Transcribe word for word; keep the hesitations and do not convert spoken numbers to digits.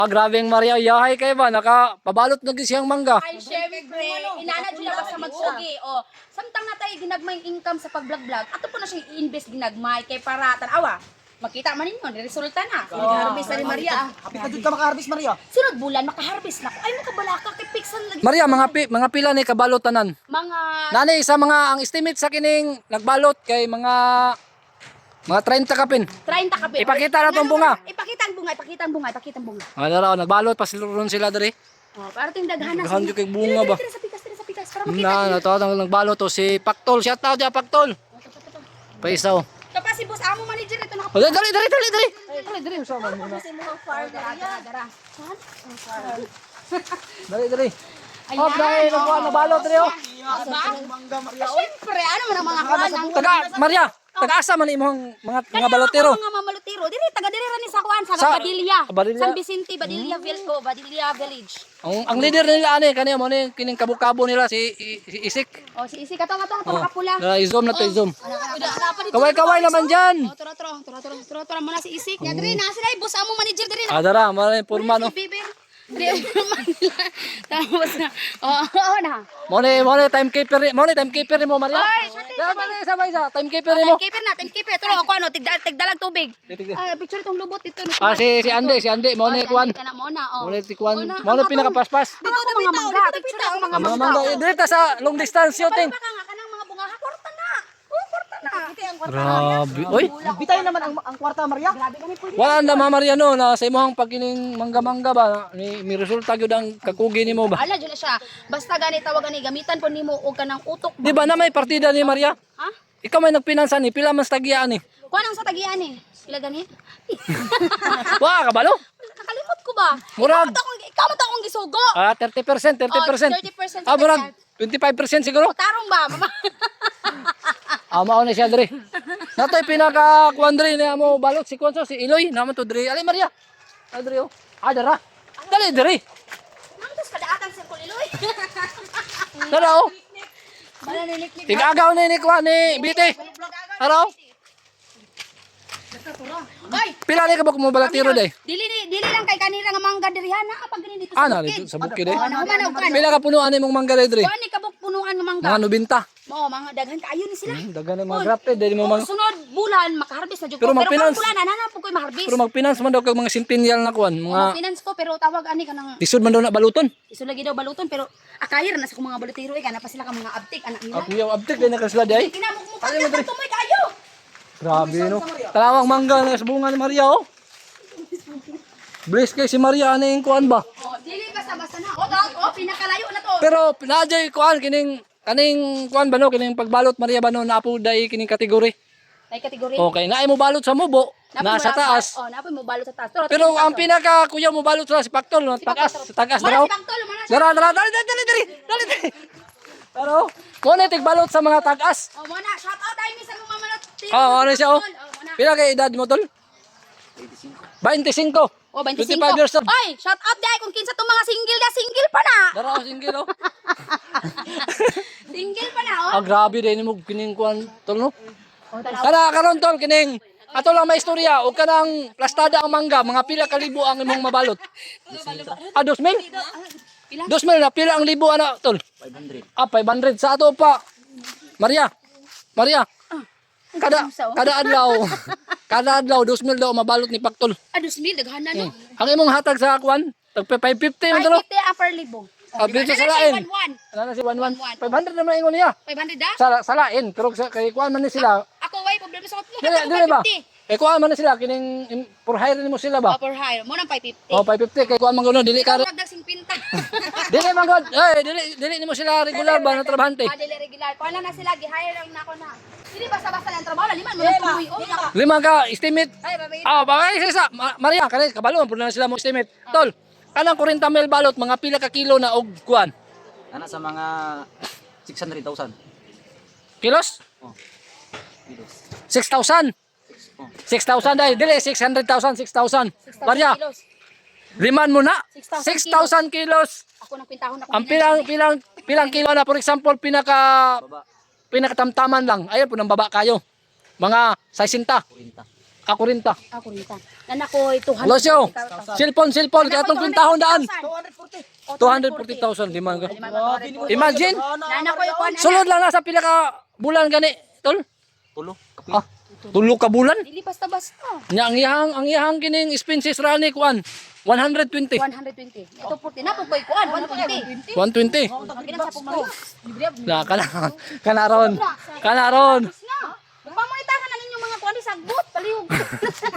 Ah, grabeng Maria, yahay kayo ba? Nakapabalot na siyang mangga. Ay, syempre, inana dyan ba sa magsugi. O, samtang na tayo ginagmay income sa pag-vlog-vlog, ato po na siya i-invest ginagmay kay para tanawa. Makita man ninyo, resulta na. Nag-harvest na ni Maria. Happy ka dun ka maka-harvest, Maria. Sunod bulan, makaharvest na ko. Ay, makabalaka kay Pixel lagi. Maria, mga pi, mga pila ni kabalot tanan. Mga, Nani sa mga ang estimate sa kining nagbalot kay mga mga thirty kapin. thirty kape. Ipakita na tong bunga. Ipakita ang bunga, ipakita ang bunga, ipakita ang bunga. Ano raw nagbalot pa sila ron sila diri. O, para ting daghanas. Daghan yung kay bunga ba? Tira sa pikas, tira sa pikas, para makita. Na, nato ang nagbalot to si Paktol. Shout out ya Paktol. Paisaw. Tapos si boss amo manager ito naka. Oh, dali dali dali dali. Dali dali sa man. Kasi mo far dara dara dara. Saan? Ang far. Dali dali. Oh, dai nagwa nabalot diri oh. Mangga, Maria. Siyempre, ano man ang mga kuan ang Taga Maria, taga-asa man imong mga mga balotero. Mga mamalutiro, diri taga diri ra ni sa kuan sa Sa- Badilla. Badilla. San Vicente, Badilla Vilco, Badilla Village. Ang ang leader nila ani kaniya mo ni kining kabukabo nila si, I- si Isik. O si isi katong katong Oh. kapula. Na i-zoom na to i-zoom. Kaway Kaway-kaway naman diyan. O turo turo turo turo turo turo muna si Isik. Ya diri na sila boss amo manager diri na. Ah, dara, mara purma no. Si Bibir. Diri Manila. Tapos na. Oh, oo na. Mo ni mo ni timekeeper ni- mo ni timekeeper ni mo Maria. Ay, shati, Dara ba ni sabay sa timekeeper ni mo. Keeper na, keeper. Turo ako ano, tigda tigdalag tubig. Titig- Ay, picture itong lubot dito. Ah si si Ande, si Ande mo ni kuan. Kana mo na, oh. Mo ni si kuan. Mo ni pinakapaspas. Dito na mga mangga, picture ako mga Ang mga mangga eh, diri ta sa long distance shooting. Baka nga kanang mga bunga, kwarta na. Oh, kwarta na. Kita ang kwarta. Grabe. Oy, Bitay naman ang, ang kwarta, Maria. Grabe kami pwede. wala na Mama Mariano na sa imong pagkining mangga-mangga ba ni mi resulta gyud ang kakugi nimo ba? Ala dyan na siya. Basta gani tawag gani gamitan po nimo og kanang utok. Di ba na may partida ni Maria? Ha? Ikaw may nagpinansa ni pila man sa tagian ni. Kuan ang sa tagian eh. Sila gani. Wa kabalo? Nakalimot ko ba? Murag. Ikaw mo to akong- Ikaw mo to akong gisugo. Ah, thirty percent, thirty percent. Oh, thirty percent sa Ah, murag tagian. twenty-five percent siguro. O, tarong ba? Mama. Ah, mao na siya diri. Natoy pinaka kuan diri ni amo balot si Konso si Iloy naman to diri. Ali Maria. Ah, diri oh. Ah, dara. Dali diri. Nangtos kadaatan sa kuliloy. Dara oh. Bala niliklik. Tigagaw ni ni kuan ni Biti. Dara oh. Oy, Pila ni ka ba kumabalatiro day? dili ni dili lang kay kanira nga mangga dirihan na pag gani dito Ah, sa na bukid. dito sa bukid eh. Oh, nahuman og kan. Pila ka punuan imong mangga diri? Kuan ni kabuk punuan nga mangga. Mga nobenta. Mo, mga daghan kaayo ni sila. Hmm, dagan na mga grafted dili mo Oh, mang sunod bulan makaharvest na jud ko. Pero Pero mag-finance. karong bulan ana po koy maharvest. pero magfinance man daw kag mga centennial na kuan, Mga mga finance ko pero tawag ani kanang tisod man daw na baluton. iso lagi daw baluton pero akayir na sa kong mga balutiro eh kana pa sila ka mga abtik anak nila. Ako yaw abtik din na kasla day. Kinamok mo pa ka tumoy kayo. Grabe no. Talawang mangga na sa bunga ni Maria oh. Bless kay si Maria ani yung kuan ba. Oh, dili basta basta na. Oh, dog, oh pinakalayo na to. Pero pinadjay kuan kining kaning kuan ba no kining pagbalot Maria ba no napo day kining kategory. May kategory. Okay, naay mo balot sa mubo, nasa taas. Oh, napoy mo balot sa taas. Pero, Pero ang pinaka kuya mo balot sa si Paktol no, tagas, tagas Wala daw. si Pangtol mo na siya. Dara dara dali dali dali dali dali. dali. Pero mo na tigbalot sa mga tagas. Oh, mo na shout out tayo ni sa mga manot. Oh, ano siya oh. Oh, mo na. Pila kay edad mo tol? twenty-five. Oh, twenty-five. twenty-five years old. Oy, shout out dai kung kinsa tong mga single na single pa na. Dara oh, single oh. Single pa na oh. Ah, grabe din mo kining kuan tol no. Oh, tanaw. Kana karon tol kining ato lang may istorya o kanang plastada ang mangga mga pila ka libo ang imong mabalot. Ah, two mil? Pila? two mil na pila ang libo ana tol? five hundred. Ah, five hundred sa ato pa. Maria. Maria. Kada Isa, oh. kada adlaw. Kada adlaw two mil daw mabalot ni Paktol. Ah, dos mil daghan na no. Ang imong hatag sa kuan tag five fifty man tol. five fifty upper libo. Ah, dito sa Ano na lain. siya, one one. Ano na si one one? one. five hundred naman ingon niya. five hundred da? Sa sa lain pero sa kay kuan man ni sila. Ako way problema sa kuno. Dili dili ba? Kay kuan man ni sila kining im- for hire nimo sila ba? Upper high. Mo nang five fifty. Oh, five fifty kay kuan man gano dili ka Ikaw magdag singpinta. dili man gud. Eh, dili dili nimo sila regular ba na trabahante. Ah, dili regular. Kuha lang na sila, gi-hire lang na ako na. Hindi basta-basta lang trabaho, liman mo na tuloy. Oh, naka- Lima ka estimate. Ay, babae. Ah, bagay sa Ma- Maria kanay kabalo pud na sila mo estimate. Tol, kanang forty mil balot mga pila ka kilo na og kuan. Ana sa mga six hundred thousand. Kilos? Oh. Kilos. six thousand. Oh. six thousand dai, dili six hundred thousand, six thousand. Maria, Kilos. liman mo na. six six thousand thousand kilos. Ako nang pintahon ako. Ang pilang pilang pilang kilo na for example pinaka Baba. pinakatamtaman lang. Ayun po nang baba kayo. Mga sixty. Kurinta. Ako rin ta. Ako rin ta. Nan ako two hundred. Losyo. Cellphone, cellphone. Kaya itong kwintahon daan. two hundred forty. two hundred forty thousand. Limang ka. Imagine. Nan ako yung kuan. Sulod lang na sa pila ka bulan gani. Tol. Tulo. Kapi. Ah, tulo ka bulan. Dili basta-basta. Nya ang iyang ang iyang kining expenses rani kuan. one hundred twenty. one hundred twenty. Ito forty na po koy kuan one twenty. one twenty. Pagkinan sa pumari. Na kana kana ron. Kana ron. Pamunitahan na ninyo mga kuan di sagbot palihog.